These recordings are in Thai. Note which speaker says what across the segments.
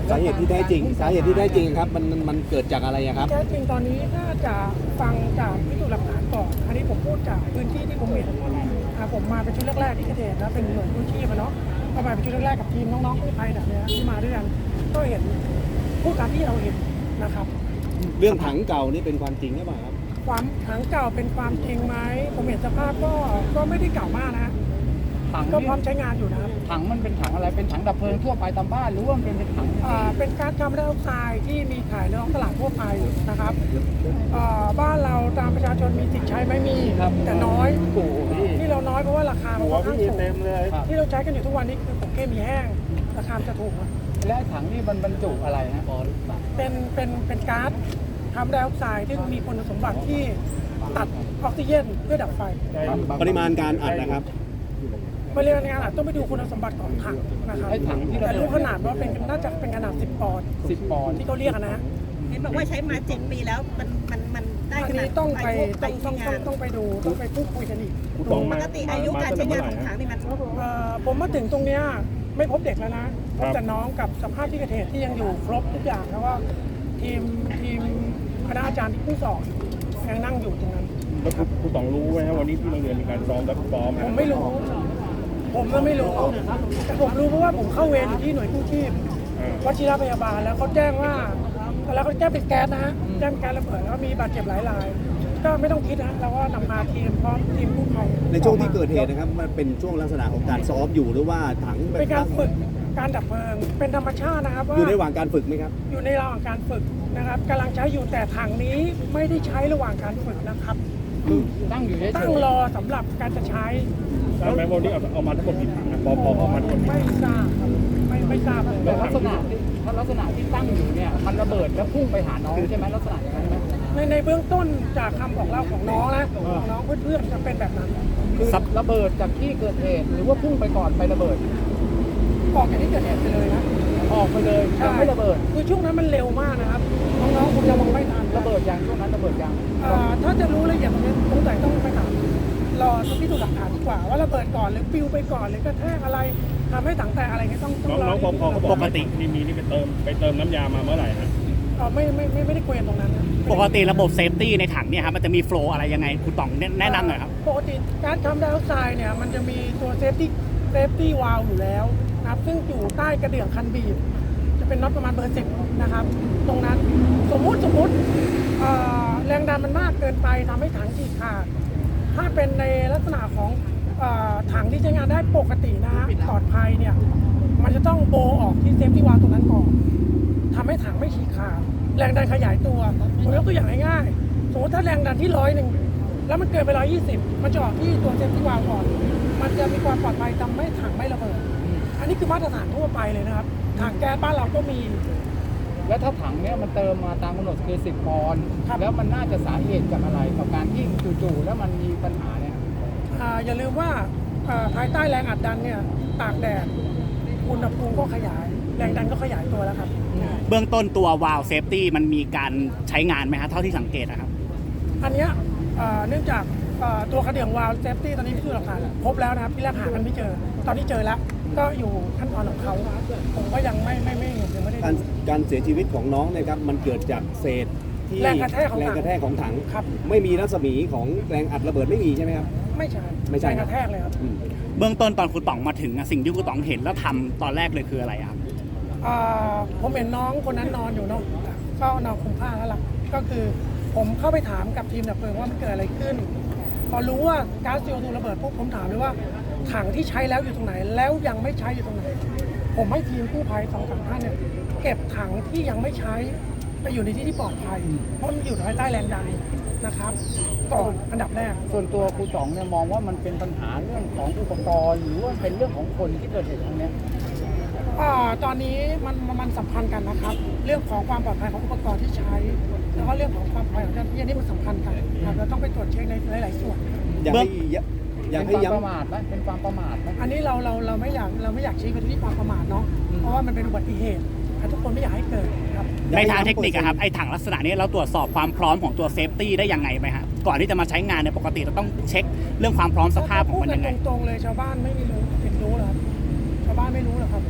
Speaker 1: สาเหตุที่แท้จริงครับมันเกิดจากอะไรครับ
Speaker 2: แท้จริงตอนนี้น่าจะฟังจากพิสูจน์หลักฐานก่อนอันนี้ผมพูดจากพื้นที่ที่ผมเห็นผมมาเป็นชุดแรกๆที่เกิดเหตุนะเป็นหน่วยกู้ชีพเนาะก็มาเป็นชุดแรกๆกับทีมน้องๆกู้ภัยแบบนี้ที่มาด้วยกันก็เห็นผู้การที่เราเห็นนะครับ
Speaker 1: เรื่องถังเก่านี่เป็นความจริงหรือเปล่าครับ
Speaker 2: ความถังเก่าเป็นความจริงไหมผมเห็นสภาพก็ไม่ได้เก่ามากนะ
Speaker 3: ถัง
Speaker 2: ก็พร้อมใช้งานอยู่นะครับ
Speaker 3: ถังมันเป็นถังอะไรเป็นถังดับเพลิงทั่วไปตามบ้านหรือว่ามันเป็นถัง
Speaker 2: เป็นก๊าซคาร์บอนไดออกไซด์ที่มีขายในท้องตลาดทั่วไปนะครับบ้านเราตามประชาชนมีสิทธิ์ใช้ไหมมีแต่น้อยที่เราน้อยเพราะว่าราคามันค่อนข้างสูงที่เราใช้กันอยู่ทุกวันนี้คือผงเคมีแห้งราคาจะถูก
Speaker 3: และถังนี่มันบรรจุอะไรนะ
Speaker 2: เป็นก๊าซคาร์บอนไดออกไซด์ที่มีคุณสมบัติที่ตัดออกซิเจนเพื่อดับไฟ
Speaker 1: ปริมาณการอัดนะครับ
Speaker 2: ปริมาณการอัดต้องไปดูคุณสมบัติของถังนะครับแต่รู้ขนาดว่าน่าจะเป็นขนาด10 ปอนด์ที่เขาเรียกนะ
Speaker 4: เห็นบอกว่าใช้มา7 ปีแล้วมันได้ขนาด
Speaker 2: ต้องไปดูต้องไปพูดคุยกันอีก
Speaker 4: ปกติอายุการใช้งานของถังนี่มัน
Speaker 2: ผมมาถึงตรงเนี้ยไม่พบเด็กแล้วนะพบแต่น้องกับสภาพที่เกิดเหตุที่ยังอยู่ครบทุกอย่างแล้วก็ทีมคณะอาจารย์ที่ผู้สอนยังนั่งอยู่ตรงนั้น
Speaker 5: แล้วครูต๋องรู้ไหมครับวันนี้ที่โรงเรียนมีการซ้อมและซ้อม
Speaker 2: ผมไม่รู้แต่ผมรู้เพราะว่าผมเข้าเวรอยู่ที่หน่วยกู้ชีพวชิรพยาบาลแล้วเขาแจ้งว่าแล้วเขาแจ้งเป็นแก๊สนะฮะแจ้งแก๊สระเบิดแล้วมีบาดเจ็บหลายรายก็ไม่ต้องคิดนะเราก็นำพาทีมพร้อมทีมกู้ภัย
Speaker 1: ในช่วงที่เกิดเหตุนะครับมันเป็นช่วงลักษณะของการซ้อมอยู่หรือว่าถัง
Speaker 2: เป็นการฝึกการดับเพลิงเป็นธรรมชาตินะครับ
Speaker 1: อยู่ในระหว่างการฝึกไหมครับ
Speaker 2: อยู่ในระหว่างการฝึกนะครับกำลังใช้อยู่แต่ถังนี้ไม่ได้ใช้ระหว่างการฝึกนะครับตั้งรอสำหรับการจะใช้
Speaker 5: ทราบไหมวันนี้เอามาทั้งหมดกี่ถังนะพอเอามาทั้งหมด
Speaker 2: ไม่ทราบครับไม่ทราบ
Speaker 3: แต่ลักษณะที่ตั้งอยู่เนี่ยมันระเบิดแล้วพุ่งไปหาน้องใช่ไหมลักษณะอย่างนั้นไหม
Speaker 2: ในเบื้องต้นจากคำบอกเล่าของน้องนะน้องเพื่อนๆจะเป็นแบบนั้น
Speaker 3: คือระเบิดจากที่เกิดเหตุหรือว่าพุ่งไปก่อนไประเบิด
Speaker 2: ออกจากที่เกิดเหตุไปเลยนะ
Speaker 3: ออกไปเลยยังไม่ระเบิด
Speaker 2: คือช่วงนั้นมันเร็วมากนะครับน้องๆคงจะมองไม่ทัน
Speaker 3: ระเบิดยังช่วงนั้นระเบิดยัง
Speaker 2: ถ้าจะรู้ละเอียดตรงนี้สงสัยต้องไปถามรอพิสูจน์หลักฐานดีกว่าว่าระเบิดก่อนหรือปิวไปก่อนหรือกระแทกอะไรทำให้ถังแตกอะไรเงี้ยต้อง
Speaker 5: น้องพอเขาบอกปกตินี่ไปเติมน้ำยามาเมื่อไหร่ฮะ
Speaker 2: ไม่ได้คุยกันตรงนั้นนะ
Speaker 6: ปกติระบบเซฟตี้ในถังเนี่ยครับมันจะมีโฟล์อะไรยังไงคุณต๋องแนะนำหน่อยครับ
Speaker 2: ปกติการทำไดออกไซด์เนี่ยมันจะมีตัวเซฟตี้วาล์วอยู่แล้วนะครับซึ่งอยู่ใต้กระเดื่องคันบีบจะเป็นน็อตประมาณเบอร์ 10นะครับตรงนั้นสมมุติแรงดันมันมากเกินไปทำให้ถังฉีกขาดถ้าเป็นในลักษณะของถังที่ใช้งานได้ปกตินะปลอดภัยเนี่ยมันจะต้องโบออกที่เซฟตี้วาล์วตรงนั้นก่อนทำให้ถังไม่ฉีกขาดแรงดันขยายตัวผมยกตัวอย่างง่ายๆสมมติถ้าแรงดันที่100แล้วมันเกินไป120มันจะออกที่ตัวเซฟตี้วาล์วก่อนมันจะมีความปลอดภัยทำให้ถังไม่ระเบิดอันนี้คือมาตรฐานทั่วไปเลยนะครับถังแก๊สบ้านเราก็มี
Speaker 3: แล้วถ้าถังเนี้ยมันเติมมาตามกำหนดคือ10 ปอนด์แล้วมันน่าจะสาเหตุจากอะไรกับการที่จู่ๆแล้วมันมีปัญหาเนี่ย
Speaker 2: อย่าลืมว่าภายใต้แรงอัดดันเนี่ยตากแดดอุณหภูมิก็ขยายแรงดันก็ขยายตัวแล้วครับ
Speaker 6: เบื้องต้นตัววาล์วเซฟตี้มันมีการใช้งานไหมครับเท่าที่สังเกตนะครับ
Speaker 2: อันนี้เนื่องจากตัวกระเดื่องวาล์วเซฟตี้ตอนนี้พิสูจน์หลักฐานพบแล้วนะครับที่แรกหากันไม่เจอตอนนี้เจอแล้วก็อยู่ขั้นตอนของเขาผมก็ยังไม่เห็นยังไม่ได้
Speaker 1: การเสียชีวิตของน้องนะครับมันเกิดจากเศษที่
Speaker 2: แรงกระแทก
Speaker 1: ของถัง
Speaker 2: ครับ
Speaker 1: ไม่มีรัศมีของแรงอัดระเบิดไม่มีใช่ไหมครับ
Speaker 2: ไม่ใช่แรงกระแทกเลยครับ
Speaker 6: เบื้องต้นตอนคุณต๋องมาถึงสิ่งที่คุณต๋องเห็นแล้วทำตอนแรกเลยคืออะไรครับ
Speaker 2: ผมเห็นน้องคนนั้นนอนอยู่เนาะก็นอนคลุมผ้าแล้วล่ะก็คือผมเข้าไปถามกับทีมดับเพลิงว่ามันเกิดอะไรขึ้นพอรู้ว่าก๊าซ CO2 ระเบิดปุ๊บผมถามเลยว่าถังที่ใช้แล้วอยู่ตรงไหนแล้วยังไม่ใช้อยู่ตรงไหนผมให้ทีมกู้ภัย2-3 ท่านเนี่ยเก็บถังที่ยังไม่ใช้ไปอยู่ในที่ที่ปลอดภัยเพราะมันอยู่ภายใต้แรงดันนะครับก่อนอันดับแรก
Speaker 3: ส่วนตัวครูต๋องเนี่ยมองว่ามันเป็นปัญหาเรื่องของอุปกรณ์หรือว่าเป็นเรื่องของคนที่เกิดเหตุตรงนี้
Speaker 2: ตอนนี้มันสัมพันธ์กันนะครับเรื่องของความปลอดภัยของอุปกรณ์ที่ใช้แล้วก็เรื่องของความปลอดภัยของเจ้าหน้าที่นี่มันสำคัญกันครับเราต้องไปตรวจเช็คในหลายๆส่วน
Speaker 1: อยากให้ย้ำ
Speaker 3: ประมาทไหมเป็นความประมาทไหม
Speaker 2: อันนี้เราไม่อยากชี้ไปที่ความประมาทเนาะเพราะว่ามันเป็นอุบัติเหตุทุกคนไม่อยากให้เกิดครับ
Speaker 6: ในทางเทคนิคครับไอ้ถังลักษณะนี้เราตรวจสอบความพร้อมของตัวเซฟตี้ได้ยังไงไหมครับก่อนที่จะมาใช้งานในปกติเราต้องเช็คเรื่องความพร้อมสภาพของมันยังไง
Speaker 2: ตรงๆเลยชาวบ้านไม่รู้เห็นรู้หรอชาวบ้านไม่รู้หรอครับ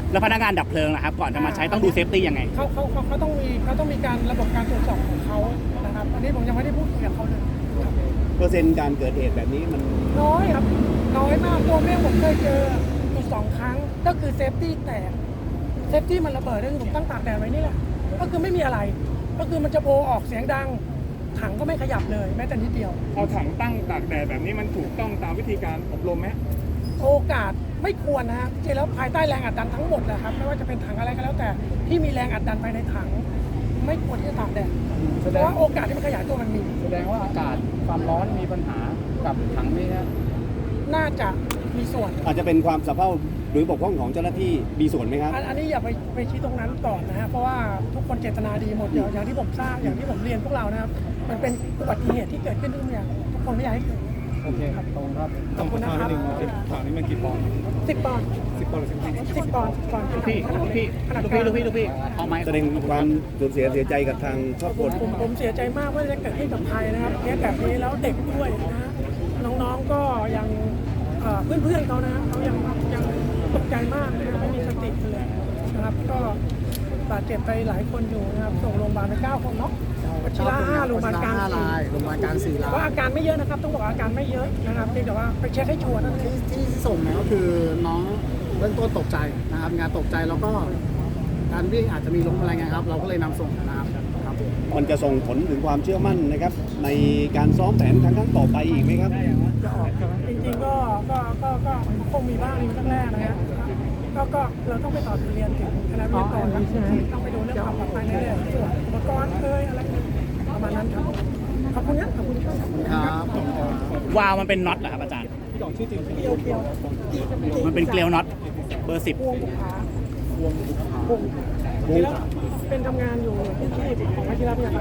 Speaker 6: แล้วพนักงานดับเพลิงนะครับก่อนจะมาใช้ต้องดูเซฟตี้ยังไง
Speaker 2: เขาต้องมีการระบบการตรวจสอบของเขานะครับอันนี้ผมยังไม่ได้พูดคุยกับเขาเลยครับ
Speaker 1: เปอร์เซ็นต์การเกิดเหตุแบบนี้มัน
Speaker 2: น้อยครับน้อยมากตัวแม่ผมเคยเจออยู่2 ครั้งก็คือเซฟตี้แตกเซฟตี้มันระเบิดก็คือผมตั้งตากแดดไว้นี่แหละก็คือไม่มีอะไร ก็คือมันจะโบออกเสียงดังถังก็ไม่ขยับเลยแม้แต่นิดเดียว
Speaker 5: เอาถังตั้งตากแดดแบบนี้มันถูกต้องตามวิธีการอบรมไหม
Speaker 2: โอกาสไม่ควรนะฮะจริงๆแล้วภายใต้แรงอัดดันทั้งหมดแหละครับไม่ว่าจะเป็นถังอะไรก็แล้วแต่ที่มีแรงอัดดันภายในถัง ไม่ควรที่จะตากแดดเพราะว่าโอกาสที่มันขยายตัวมันมี
Speaker 3: แสดงว่าอากาศความร้อนมีปัญหากับถังนี้นะ
Speaker 2: น่าจะมีส่วน
Speaker 1: อาจจะเป็นความสะเพร่าหรือบกพร่องของเจ้าหน้าที่มีส่วนไหมครับ
Speaker 2: อันนี้อย่าไปชี้ตรงนั้นก่อนนะฮะเพราะว่าทุกคนเจตนาดีหมดอย่างที่ผมทราบอย่างที่ผมเรียนพวกเรานะครับมันเป็นอุบัติเหตุที่เกิดขึ้นทุกอย่างทุกคนไม่อยากให้เกิด
Speaker 3: โอเคครับตรงครับ
Speaker 2: ขอบคุณนะครับ
Speaker 5: ถังนี้มันกี่ปอนด์
Speaker 2: 10 ปอนด์
Speaker 5: 10 ปอนด์หรือ10
Speaker 2: 10 ปอนด์ก่อน
Speaker 6: พี่พี่เอาไหม
Speaker 1: แสดงความสูญเสียใจกับทางครอบครัว
Speaker 2: ผมเสียใจมากว่าจะเกิดขึ้นกับใครนะครับเคสแบบนี้แล้วเด็กด้วยนะฮะน้องๆก็ยังเพื่อนๆเขานะเขายังตกใจมากนะครับไม่มีสติเลยนะครับก็บาดเจ็บไปหลายคนอยู่นะครับส่งโรงพยาบาลไป9 คนเนาะวชิระ5โรงพยาบาลกลาง4
Speaker 7: โรงพยาบาลกลาง4 ราย
Speaker 2: ว่าอาการไม่เยอะนะครับต้องบอกว่าอาการไม่เยอะนะครับเพียงแต่ว่าไปเช็คให้ชัวร์นั่นเอง
Speaker 7: ที่ส่งเนี่ยก็คือน้องเบื้องต้นตกใจนะครับงานตกใจแล้วก็การวิ่งอาจจะมีล้มอะไรเงี้ยครับ เราก็เลยนำส่งนะครับครับผม
Speaker 1: มันจะส่งผลถึงความเชื่อมั่นนะครับ ในการซ้อมแผนครั้งต่อไปอีกไหมครับ
Speaker 2: จะออกใช่ไหมจริงๆก็คงมีบ้างในครั้งแรกนะฮะก็เราต้องไปต่อทะเรียนถึงคณะวิทยากรครับต้องไปดูเรื่องความปลอดภัยในเรื่องส่วนอุปกรณ์อะไรประมาณนั้นครับขอบคุณครับขอบคุณครับ
Speaker 7: ครับ
Speaker 6: วาล์วมันเป็นน็อตเหรอครับอาจารย์
Speaker 2: เกียว
Speaker 6: มันเป็นเกลียวน็อตเบอร์
Speaker 2: พวงบุกขาพวงแล้วเป็นทำงานอยู่ที่ของวชิระพยาบาล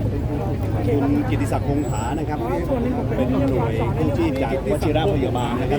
Speaker 2: โอเค
Speaker 1: คุ
Speaker 2: ครับ
Speaker 1: ณกิติศักดิ์คงผานะครับ
Speaker 2: ส่วนหนึ่งผมเป็น
Speaker 1: เป็นหน่วยกู้ชีพจากวชิระพยาบาลนะครับ